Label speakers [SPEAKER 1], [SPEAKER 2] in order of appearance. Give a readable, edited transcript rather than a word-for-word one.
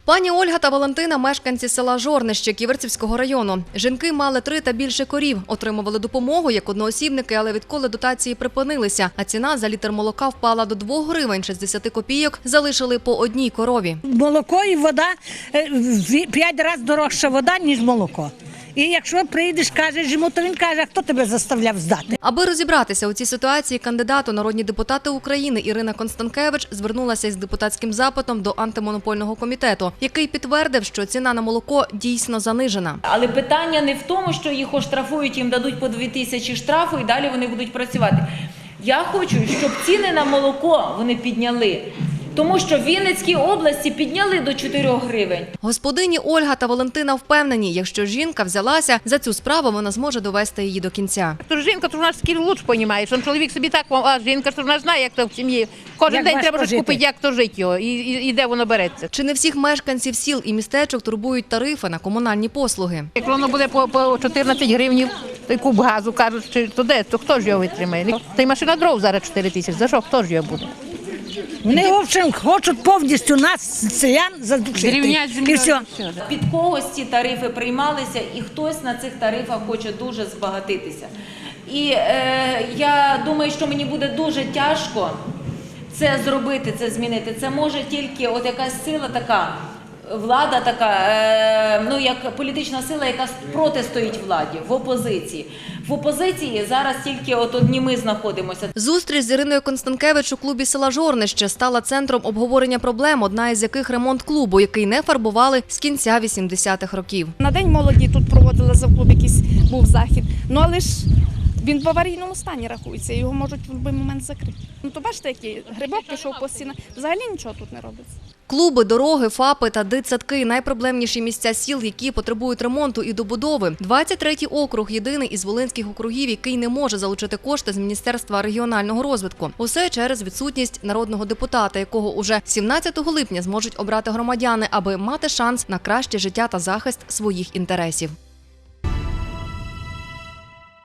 [SPEAKER 1] Пані Ольга та Валентина – мешканці села Жорнище Ківерцівського району. Жінки мали 3 та більше корів, отримували допомогу як одноосібники, але відколи дотації припинилися, а ціна за літр молока впала до 2 гривень 60 копійок, залишили по одній корові.
[SPEAKER 2] Молоко і вода, 5 разів дорожча вода, ніж молоко. І якщо прийдеш, кажеш йому, то він каже, а хто тебе заставляв здати?
[SPEAKER 1] Аби розібратися у цій ситуації, кандидат у народні депутати України Ірина Констанкевич звернулася із депутатським запитом до антимонопольного комітету, який підтвердив, що ціна на молоко дійсно занижена.
[SPEAKER 3] Але питання не в тому, що їх оштрафують, їм дадуть по 2000 штрафу і далі вони будуть працювати. Я хочу, щоб ціни на молоко вони підняли. Тому що в Вінницькій області підняли до 4 гривень.
[SPEAKER 1] Господині Ольга та Валентина впевнені, якщо жінка взялася за цю справу, вона зможе довести її до кінця.
[SPEAKER 4] То жінка, то вона скільки лучше розуміє, що чоловік собі так, а жінка, то вона знає, як то в сім'ї. Кожен день треба щось купити, як то жити його і де воно береться.
[SPEAKER 1] Чи не всіх мешканців сіл і містечок турбують тарифи на комунальні послуги?
[SPEAKER 4] Як воно буде по 14 гривень, той куб газу, кажуть, то де, то хто ж його витримає? Та й машина дров зараз 4 тисячі, за що, хто ж його буде?
[SPEAKER 2] Вони, в общем, хочуть повністю нас, селян, задушити. І все.
[SPEAKER 3] Під когось ці тарифи приймалися, і хтось на цих тарифах хоче дуже збагатитися. І я думаю, що мені буде дуже тяжко це зробити, це змінити. Це може тільки от якась сила така, влада така, ну як політична сила, яка протистоїть владі, в опозиції. В опозиції зараз тільки от одні ми знаходимося.
[SPEAKER 1] Зустріч з Іриною Констанкевич у клубі села Жорнище стала центром обговорення проблем, одна із яких ремонт клубу, який не фарбували з кінця 80-х років.
[SPEAKER 5] На День молоді тут проводили за клуб, якийсь був захід, ну але ж він в аварійному стані рахується, його можуть в будь-який момент закрити. Ну то бачите, який грибок пішов по стінах, взагалі нічого тут не робиться.
[SPEAKER 1] Клуби, дороги, ФАПи та дитсадки – найпроблемніші місця сіл, які потребують ремонту і добудови. 23-й округ – єдиний із волинських округів, який не може залучити кошти з Міністерства регіонального розвитку. Усе через відсутність народного депутата, якого уже 17 липня зможуть обрати громадяни, аби мати шанс на краще життя та захист своїх інтересів.